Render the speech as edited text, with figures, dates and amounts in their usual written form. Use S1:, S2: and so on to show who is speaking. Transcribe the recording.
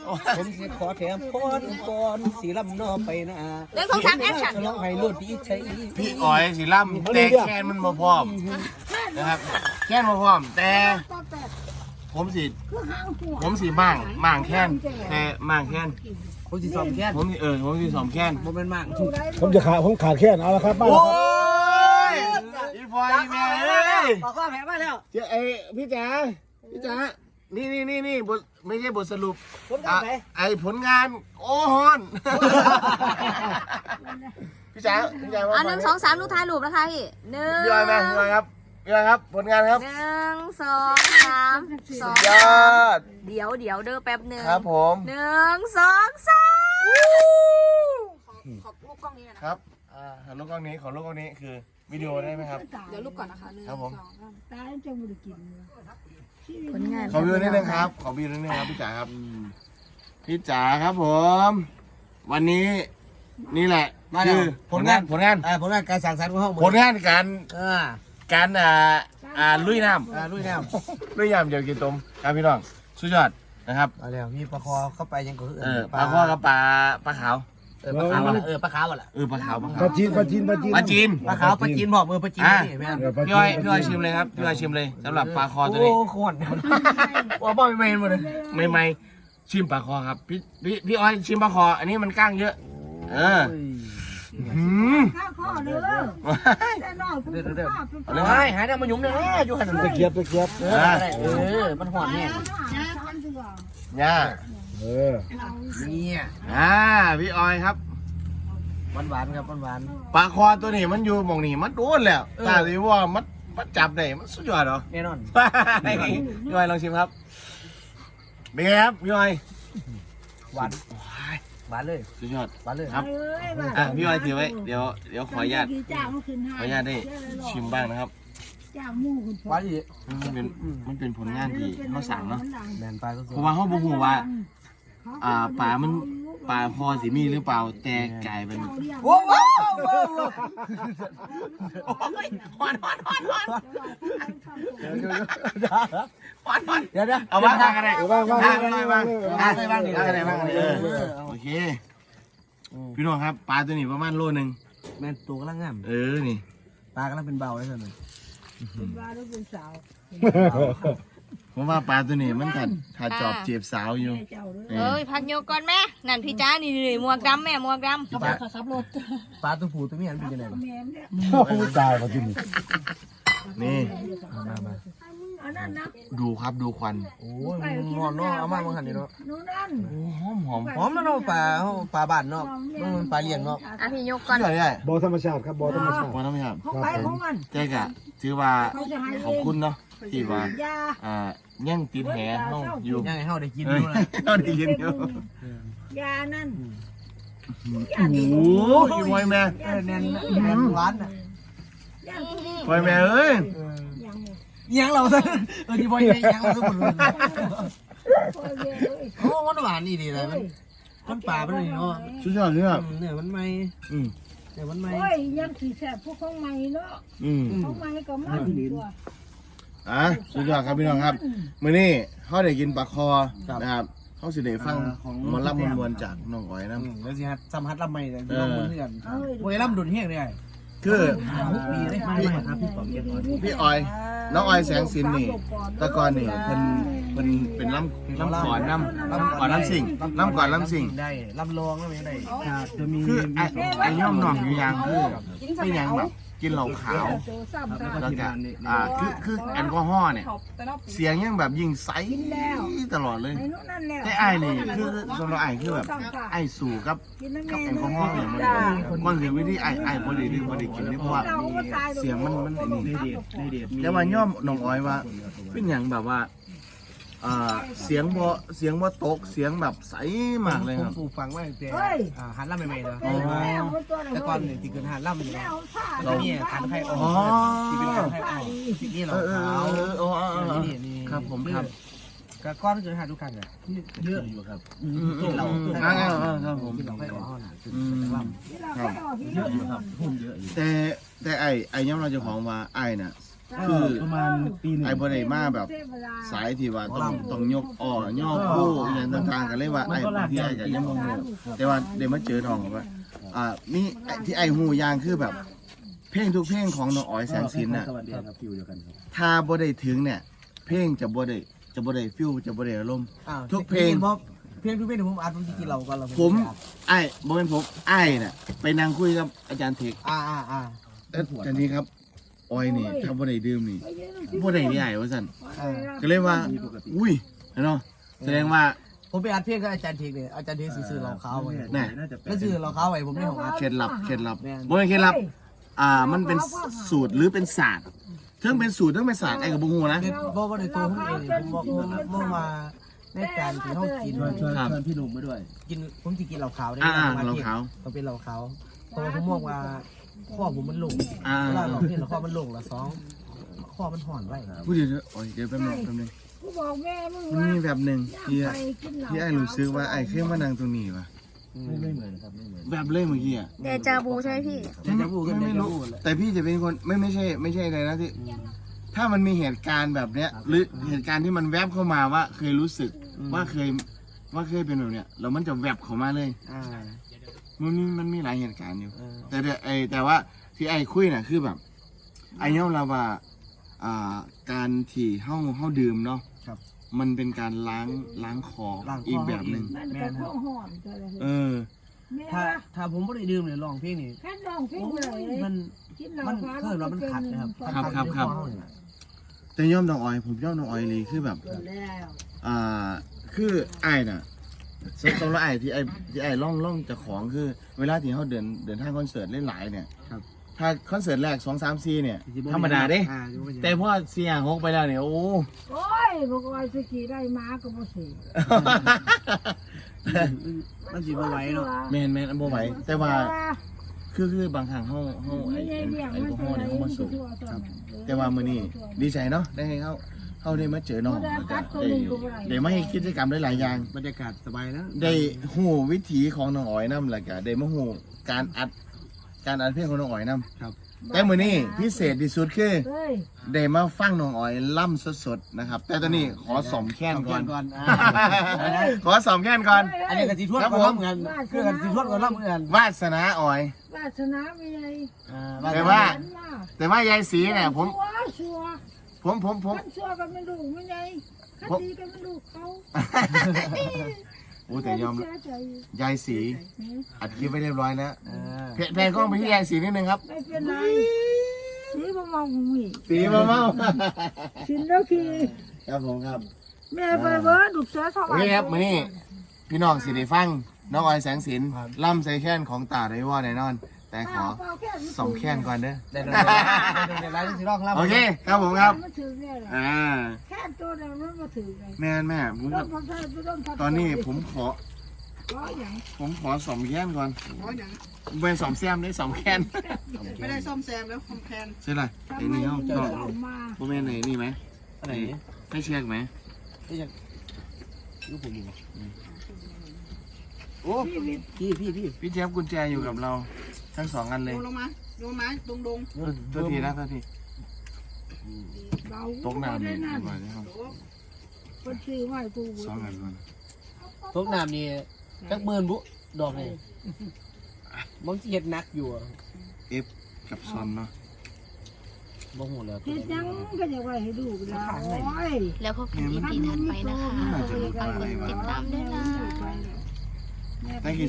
S1: ผมสิขอแถมพรก่อนสีลำนอไปนะ
S2: เรื่องของสามแอคชั่น
S1: ร้องให้รวดดีใช้
S3: พี่อ๋อยสีล่ำแต่แคนมันมาพร้อมนะครับแคนมาพร้อมแต่ผมสีมั่งแคนแต่มั่งแคน
S1: ผมสิซ้อมแค่น
S3: ผมสีสองแคน
S1: ผมเป็นมาก
S4: ผมขาดแค่เอาละครับมา
S3: โอ้
S4: แล้วครับ
S3: ยอีพอยแม่เอ้ย
S1: บอกว่าแพ้มาแล้ว
S3: เจ้าพี่จ๋านี่บทไม่ใช่บทสรุป
S1: ผมทำไป
S3: ผลงานโอ้ฮอนพี่จ๋าว่า
S2: อันหนึ่งสองสามลูกท้ายรูปนะคะพี่หนึ่ง
S3: พี่ออยมาพี่ออยครับผลงานครับ
S2: หนึ่งสองสามสอง
S3: ยอด
S2: เดี๋ยวเด้อแป๊บหนึ่ง
S3: ครับผม
S2: หนึ่งสองสามขอลูกกล้องนี้นะครับ
S3: ลูกกล้องนี้คือวิดีโอได้ไหมครับ
S2: เดี๋ยวลูกก่อนนะคะหนึ่ง
S3: ครับผม
S2: สองสาม
S5: ตายจะไม่ได้กินเลย
S2: ผลงาน
S3: ขอวิวนิดนึงครับพี่จ๋าครับพี่จ๋าครับผม วันนี้นี่แหละ
S1: มาแล้ว
S3: คือผลงาน
S1: ผลงานการสั่งสรรค์ของห้อง
S3: ผลงานการ
S1: การ
S3: ลุยน้
S1: ลุยน้ำ
S3: ำลุยน้ำเดี๋ยวกินต้มครับพี่น้องสุดยอดนะครับ
S1: มาแล้วมีปลาคอเข้าไปยังก็
S3: ปลาข้อกับปลาขาว
S1: ปลาขาวอ่ะปลาขาวอ่ะ
S3: ปลาขาว
S4: ปลาจีน
S3: ปลาจีน
S1: ปลาขาวปลาจีนบอกมือปลาจีนนี่แม่
S3: พี่อ้อยชิมเลยครับพี่อ้อยชิมเลยสำหรับปลาคอตัว
S1: โอ้
S3: นี้
S1: ขวดว่าบ่ไม่หมดเลย
S3: ไม่ชิมปลาคอครับพี่อ้อยชิมปลาคออันนี้มันก้างเยอะหืม
S5: ข้าวข้อเลยแต่นอกคุณข้าวเป็น
S3: เอาเลย
S1: ไม่หายน้ำมันยุ่มเลยอยู่หัน
S4: ตะเกียบ
S1: มันหอนเนี่ย
S3: ย่า
S1: เนี่ย
S3: พี่อ้อยครับ
S1: หวานครับหวาน
S3: ปลาคอตัวนี้มันอยู่หม่องนี้มันโดนแล้วตาสิว่ามันจับได้มันสุดยอดเหรอ
S1: แน่นอน
S3: พี่อ้อยลองชิมครับเป็นไงครับพี่อ้อย
S1: หวานเลย
S3: สุดยอด
S1: หวานเลย
S3: ครับพี่อ้อยถือไว้เดี๋ยวขออนุญาต
S5: จ้ามันขึ้น
S3: ขออนุญาตได้ชิมบ้างนะครับ
S5: จ้าหมูคุณ
S1: หวานอีก
S3: มันเป็นผลงานที่เขาสั่งเนาะ
S1: แมนปลาก็
S3: เพราะว่าเขาบอกว่าปลาพอสิมีหรือเปล่าแต่ไก่เป็น
S1: โอ้โห
S3: ฮอน
S1: เดี๋ยว
S3: เอาบ้างทางกันเลย
S4: ว่าง
S3: ทางกันเลยบ้าง
S1: บ้างดิ
S3: ทางกันเลยบ้างโอเคพี่น้องครับปลาตัวนี้ประมาณโลนึง
S1: แมนตัวกำลังงาม
S3: นี่
S1: ปลากำลังเป็นเบาเลยท่าน
S5: เป็นบ้าหรือเป็นสาว
S3: ผมว่าปลาตัวนี้มันถ้าจอบจีบสาวอยู่
S5: เจ้าเลย
S2: เอ้ยพักโยกก่อนแม่นั่นพี่จ้านี่หมวกดำแม่หมวกดำ
S5: ขับรถ
S1: ปลาตัวผู้ตัวเมียมันเป็นยังไงบ้าง
S5: แม่เนี่ย
S4: ตายมาที่นี่
S3: นี่
S1: มา
S5: อันนั้นนะ
S3: ดูครับดูควัน
S1: โอ้ยงอนเนาะเอามาบางหันนี่เนาะ
S5: นู่นนั่น
S3: หอม
S1: หอมแล้วเนาะปลาบ้านเนาะมันปลาเลี้ยงเนาะ
S2: อ่ะพี่โยกก่อน
S3: เชื่อได้
S4: บ่อธรรมชาติครับบ่อธรรมชาติ
S3: พอต้องไหมครับ
S5: เขาไปของมัน
S3: เจ๊กะถือว่าขอบคุณเนาะที่ว่าย
S5: า
S3: ย่างติดแหห้องอยู่
S1: ยังไงเฮาได้กิน
S3: เอ
S1: ดู
S3: อ
S1: นะ
S3: เราได้ยินอยู่
S5: ยานั่น
S3: โอ้โหอีมวยแม่
S1: แน่นหวานน่ะ
S5: ยา
S3: มวยแม่เอ้ย
S5: ยัง
S1: ยังเราซะที่บ่ยังเราทุกคนรู้โอ้มันหวานนี่ดีเลยมันปลาเป็นนี่เนาะ
S3: สุดยอดเลยครับ
S1: เนี่ยมันไม่
S3: อืม
S1: เนี่ยมันไม่
S5: โอ้ยยังขี่แสบพวกของใหม่เนาะ
S3: อืม
S5: ของใหม่ก็มันตัว
S3: สุดยอดครับพี่น้องครับมื้อนี้เขาได้กินปลาคอนะครับเขาสิได้ฟังหมอลำมวลๆจากน้องอ้อยนะ
S1: แล้วสิฮัดสัมผัสลำไม่ได้ลองมือกันโอ้ยลำดุนเฮี้ยเลย
S3: คือ
S1: ปีเลยไม่ครับพี่ป๋องเก็บก่อน
S3: พี่อ้อยน้องอ้อยแสงสินนี่แตะกอนนี่เพิ่นเป็นลำก่อนลำสิ่งลำก่อนลำสิ่ง
S1: ได้ลำลองแล้วไม่ได้จะมี
S3: คือไอ้ย่อมหน่องอยู่อย่างคือไม่ยังแบบกินเหล้าขาวแล้วก็คือแอลกอฮอล์เนี่ยเสียงยังแบบยิงใสตลอดเลย
S5: ไอ้นู่นนั่นแหละ
S3: แต่ไอ้นี่คือสำหรับไอ้คือแบบไอ้สู่กับแอลกอฮอล์เนี่ยมันเสียวิธีไอ้พอดีที่พอดีกินนี่เพราะว่าเสียงมันไอ้นี่แต่ว่าย่อมน้องอ้อยว่าเป็นอย่างแบบว่าเสียงบ่ตกเสียงแบบใสมากเลยครับ
S1: ผูฟังว่าแต่หันลำใหม่ๆเลยแต่ก่อนเนี่ยที่เกิดหันลำอยู่เราเนี่ยทานไข่อ่อนที่เป็นทานไข่อ่อนนี่เราขาวนี่
S3: ครับผมครับ
S1: ก็ก้อนเกิดหันทุกครั้งเลยเยอะอยู่ครับเรา
S3: ครับผม
S1: ที่เราไข่อ่อนลำ
S3: เยอะอยู่ครับพุ่มเยอะอยู่แต่ไอ้ย่อมเราจะของว่าไอ้น่ะคือ
S4: ประมาณปีหนึ่ง
S3: ไอ้บ่ได้มาแบบสายที่ว่าต้องยกย่อผู้อหย่างต่างๆกันเลยว่าไอ้บางทีไอ้ก็ยังบ่ฮู้แต่ว่าได้มาเจอน้องว่ามีที่ไอ้ฮู้อย่างคือแบบเพลงทุกเพลงของน้องอ๋อยแสงสินน่ะ
S4: สวัสดีครับฟิวเดียวกันครับ
S3: ถ้าบ่ได้ถึงเนี่ยเพลงจะบ่ได้ฟิลจะบ่ได้อารมณ์ ทุกเพลง
S1: เพลงทุกเพลงผมอ่านผมจะกินเราก็เรา
S3: ผมไอ้บ่เป็นผมไอ้น่ะไปนั่งคุยกับอาจารย์เทค อาจารย์นี้ครับออยนี่ถ้าบ่ได้ดื่มนี่บ่ได้นี่ไอ้ว่าซั่นก็เลยว่าอุ้ยเนาะแสดงว่า
S1: ผมไปอัดเพลงกับอาจารย์เทคเนี่ยอาจารย์เทคซื้อเราเขาไว้
S3: แน่
S1: แล้วซื้อเราเขาไว้ผมไม่ของอัด
S3: เคล็ดลับบ่เป็นเคล็ดลับมันเป็นสูตรหรือเป็นศาสตร์เทั้งเป็นสูตรเทั้งเป็นศาสตร์ไอ้ก็บ่ฮู้นะ
S1: เพราะว่าในตัวผมเองผมบอกเมื่อมาในการที่เขากิน
S4: ชวนพี่หนุ่มมาด้วย
S1: กินผมจะกินเหล้าขาวได้
S3: เราขาว
S1: ต้องเป็นเหล้าขาวเพราะว่าผมมองว่าข้อผมมันลง
S3: อ่า
S1: เวลาเราเห็นข้อมันลงละสองข้อมันห่อนไว้
S3: พูดเดี๋ยวโอ้ยเดี๋ยวแป๊บนึง
S5: กูบอกแม่มึง
S3: มัน
S5: ว่า
S3: มีแบบหนึงที่
S5: ไปกินเหล้า
S3: ไอ้รู้สึกว่าไอ้เคยมานั่งตรงนี้ว่ะ
S4: ไม่เหมือนครับไม่เหมือน
S3: แบบเลยเมื่อกี้อ่ะ
S2: เดจาบูใช่ไหมพี่
S3: ไม่รู้แต่พี่จะเป็นคนไม่ใช่อะไรนะที่ถ้ามันมีเหตุการณ์แบบเนี้ยหรือเหตุการณ์ที่มันแวบเข้ามาว่าเคยรู้สึกว่าเคยเป็นแบบเนี้ยแล้วมันจะแวบเข้ามาเลยมันมีหลายเหตุการณ์อยู่แต่ว่าที่ไอ้คุยน่ะคือแบบไอ้ยอมรับว่าการที่เฮาดื่มเนาะมันเป็นการล้างคออีกแบบหนึ่ง
S5: มันก็ข้อห่อนก็เลย
S3: เออ
S1: ถ้าผมไม่ได้ดื่มเลยร้องเพลงนี่
S5: แค่ลองเพลงเลย
S1: มัน
S5: กินเหล้า
S1: มัน
S5: ขาว
S1: เคยว่ามันขัดนะครับ
S3: ครับ แต่ย่อมน้องออยผมย่อมน้องออยเลยคือแบบ
S5: แล้ว
S3: คือไอ้น่ะสำหรับไอ้ที่ไอ้ล่องจากของคือเวลาที่เขาเดินทางคอนเสิร์ตเล่นหลายเนี่ยถ้าคอนเสิร์ตแรก2 3 4เนี่ยธรรมดาเด้แต่พอ4 5 6ไปแล้วเนี่ยโอ้
S5: โอ้ยบอกว่าสกีได้มาก็บ่สิ
S1: มันจีบเอาไว้เนาะ
S3: แมนอันบ่ไหวแต่ว่าคือบางครั้งเขาไอ้แอลกอฮอล์เนี่ยเขามาสูบแต่ว่ามื้อนี้ดีใจเนาะได้ให้เขาได้มาเจอน้องแล้วก็ได้มาให้กิจกรรมหลายๆอย่าง
S1: บรรยากาศสบายแล้ว
S3: ได้หูวิถีของน้องอ๋อยนำแล้วก็ได้มาหูการอัดเพลงของน้องอ๋อยนำ
S1: ครับ
S3: แต่มื้อนี้พิเศษที่สุดคือ
S5: เฮ้ย
S3: ได้มาฟังน้องอ๋อยล่ำสดๆนะครับ แต่ตอนนี้ขอสอมแค้นก่อน ขอสอมแค้นก่อน
S1: อันนี้กันสีทวดก็รับเหมือนกันคือกันสีทวดก็รับเหมือนกัน
S3: วาสนาอ๋อย
S5: วาสนามีไง
S3: แต่ว่ายายสีเนี่ยผม
S5: ชัว
S3: ผม
S5: ขันชัวกันไม่รู้ไม่ไงขันดีกันไม่รู้เขา
S3: โอ้แต่ยอม
S5: เสีใจ
S3: ยายสีอัดคลิปไว้เรียบร้อยแล้วแพนกล้องไปที่ยายสีนิดนึงครับ
S5: ไม่เป็นไรสีบ่มองมี
S3: สีมาเมา
S5: สินแล้วคือ
S3: ครับผมครับ
S5: แม่ไปเบิร์ดดุเสือเท่าไห
S3: โอ
S5: ร่
S3: เคครับมื้อนี้พี่น้องสิได้ฟังน้องออยแสงสินล่ำใส่แค้นของตาไรว่าแน่นอน แต่ขอสอมแค้นก่อนเด้อ
S1: ได้ไลน์สีรองรับ
S3: โอเคครับผมครับ
S5: มาถือเนี่ยแหละ แค่ตัวเดียวมันมาถือไง
S3: แม่ผม
S5: ต้นพันธุ์ต้นพันธุ์
S3: ตอนนี้ผมขอ
S5: ร้อยอย่าง
S3: สอมแค้นก่อนเป็นสอมแซมได้สอมแค้น
S6: ไม่ได้ซ่อมแซมแล้วคอมแพน
S3: ใช่ไรไอ้นี่เขา
S5: จะ
S3: ก็
S5: ออกมา
S3: โมเมนต์ไหนนี่ไหม
S1: อะไรนี่
S3: ให้เช็คไหม
S1: ลูกผมอยู่
S3: โอ้ พี่เจฟกุญแจอยู่กับเราทั้ง2 อันเลย
S6: โยนลงมาโยนไม้ดง
S3: ตัวทีนะตัวที
S5: เรา
S3: ตกน้ำ
S5: ได้
S3: นี่
S5: นั่น
S3: ก่อนนะครับ
S5: คนชื่อว่ากู
S3: 2 อันก่อน
S1: ตกน้ำนี่จักหมื่นบุดอกนี่มันเจ็ดนักอยู่
S3: กับซอนเนาะ
S1: บ่หูแล้ว
S5: เฮ็ดยังก็จะไว้ให้ดูกันแล้วโอ้ย
S2: แล้วพบกัน EP ถัดไปนะคะ
S3: น่าจะรู้
S2: ฝากก
S3: อะไร
S2: ด
S3: วะ
S2: ติดตามด้วยนะ
S3: นั่นคือ